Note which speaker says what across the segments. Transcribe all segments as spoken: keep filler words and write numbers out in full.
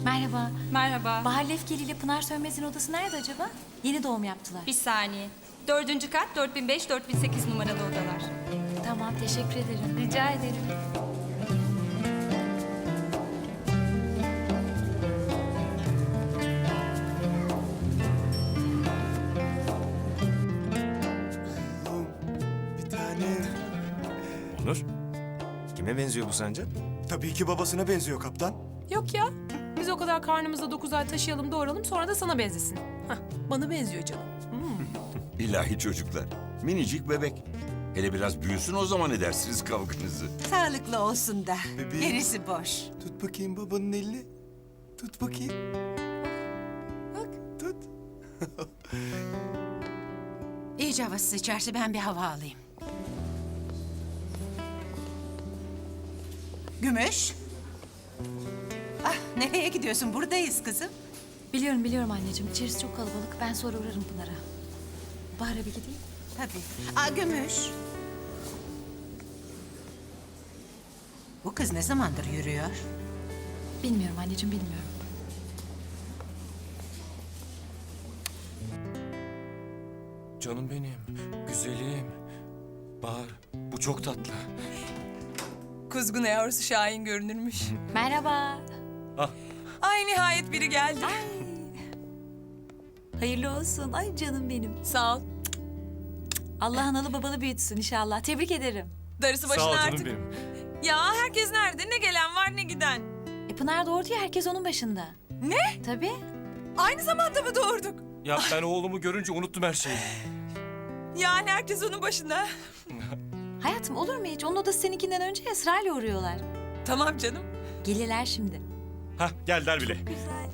Speaker 1: Merhaba.
Speaker 2: Merhaba.
Speaker 1: Bahar Lefkeli ile Pınar Sönmez'in odası nerede acaba? Yeni doğum yaptılar.
Speaker 2: Bir saniye. Dördüncü kat dört bin beş, dört bin sekiz numaralı odalar.
Speaker 1: Tamam, teşekkür ederim.
Speaker 2: Rica ederim.
Speaker 3: Bir tane.
Speaker 4: Onur, kime benziyor bu sence?
Speaker 3: Tabii ki babasına benziyor kaptan.
Speaker 5: Yok ya. Biz o kadar karnımızda dokuz ay taşıyalım doğuralım sonra da sana benzesin. Hah, bana benziyor canım.
Speaker 6: İlahi çocuklar. Minicik bebek. Hele biraz büyüsün o zaman edersiniz kavganızı.
Speaker 7: Sağlıklı olsun da.
Speaker 3: Bebeğim.
Speaker 7: Gerisi boş.
Speaker 3: Tut bakayım babanın elini. Tut bakayım. Bak. Tut.
Speaker 7: İyice havası sıçarsa ben bir hava alayım. Gümüş. Ah, nereye gidiyorsun? Buradayız kızım.
Speaker 1: Biliyorum biliyorum anneciğim. İçerisi çok kalabalık. Ben sonra uğrarım Pınar'a. Bahar'a bir gideyim.
Speaker 7: Tabii. Aa, Gümüş. Bu kız ne zamandır yürüyor?
Speaker 1: Bilmiyorum anneciğim, bilmiyorum.
Speaker 4: Canım benim, güzelim. Bahar, bu çok tatlı.
Speaker 8: Kuzgun yavrusu Şahin görünürmüş.
Speaker 1: Merhaba.
Speaker 8: Ay nihayet biri geldi.
Speaker 1: Hayırlı olsun. Ay canım benim.
Speaker 8: Sağ ol.
Speaker 1: Allah analı babalı büyütsün inşallah. Tebrik ederim.
Speaker 8: Darısı başına
Speaker 4: Sağ ol canım
Speaker 8: artık.
Speaker 4: benim.
Speaker 8: Ya herkes nerede? Ne gelen var ne giden.
Speaker 1: E Pınar doğurdu ya, herkes onun başında.
Speaker 8: Ne?
Speaker 1: Tabii.
Speaker 8: Aynı zamanda mı doğurduk?
Speaker 4: Ya ben oğlumu görünce unuttum her şeyi.
Speaker 8: Yani herkes onun başında.
Speaker 1: Hayatım olur mu hiç? Onun odası seninkinden önce ya, sırayla uğruyorlar.
Speaker 8: Tamam canım.
Speaker 1: Gelirler şimdi.
Speaker 4: Hah, geldiler bile.
Speaker 1: Güzel.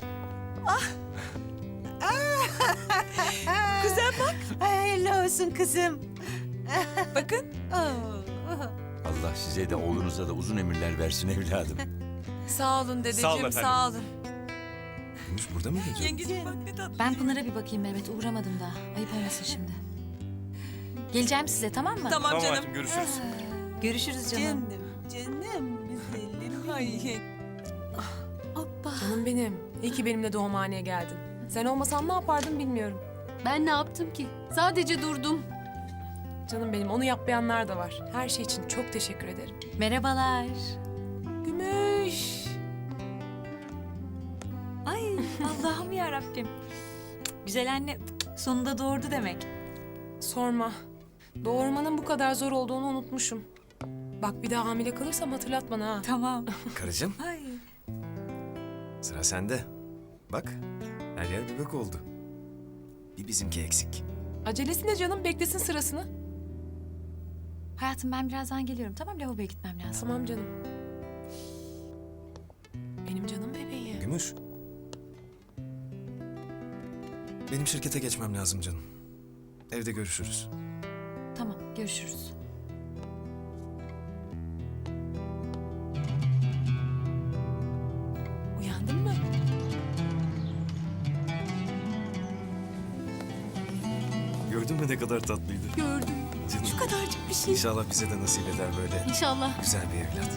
Speaker 8: Kuzen bak.
Speaker 7: Ay, hayırlı olsun kızım.
Speaker 8: Bakın.
Speaker 7: Oo.
Speaker 6: Allah size de oğlunuza da uzun ömürler versin evladım.
Speaker 8: Sağ olun dedeciğim.
Speaker 4: Sağ olun efendim.
Speaker 8: Sağ olun.
Speaker 4: Gümüş burada mı geziyor?
Speaker 8: Yengeciğim bak ne tatlı.
Speaker 1: Ben Pınar'a bir bakayım Mehmet. Uğramadım daha. Ayıp olmasın şimdi. Geleceğim size, tamam mı?
Speaker 8: Tamam,
Speaker 4: Tamam
Speaker 8: canım.
Speaker 4: hayatım, görüşürüz.
Speaker 1: Görüşürüz canım.
Speaker 7: Canım, canım güzelim.
Speaker 8: Ay.
Speaker 1: Hoppa.
Speaker 5: Canım benim. İyi ki benimle doğumhaneye geldin. Sen olmasan ne yapardım bilmiyorum.
Speaker 9: Ben ne yaptım ki? Sadece durdum.
Speaker 5: Canım benim, onu yapmayanlar da var. Her şey için çok teşekkür ederim.
Speaker 1: Merhabalar.
Speaker 5: Gümüş.
Speaker 1: Ay Allah'ım ya Rabbim. Güzel anne sonunda doğurdu demek.
Speaker 5: Sorma. Doğurmanın bu kadar zor olduğunu unutmuşum. Bak bir daha hamile kalırsam hatırlat bana ha.
Speaker 1: Tamam.
Speaker 4: Karıcığım,
Speaker 1: Ay.
Speaker 4: sıra sende. Bak, her yer bebek oldu. Bir bizimki eksik.
Speaker 5: Acelesi ne canım? Beklesin sırasını.
Speaker 1: Hayatım ben birazdan geliyorum. Tamam, lavaboya gitmem lazım.
Speaker 5: Tamam canım. Benim canım bebeğim.
Speaker 4: Gümüş. Benim şirkete geçmem lazım canım. Evde görüşürüz.
Speaker 1: Tamam, görüşürüz.
Speaker 5: Uyandın mı?
Speaker 4: Gördün mü ne kadar tatlıydı?
Speaker 9: Gördüm.
Speaker 4: Canım.
Speaker 9: Şu kadarcık bir şey.
Speaker 4: İnşallah bize de nasip eder böyle
Speaker 9: İnşallah.
Speaker 4: güzel bir evlat.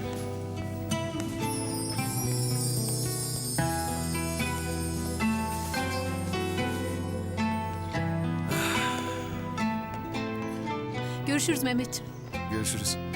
Speaker 9: Görüşürüz Mehmetciğim.
Speaker 4: Görüşürüz.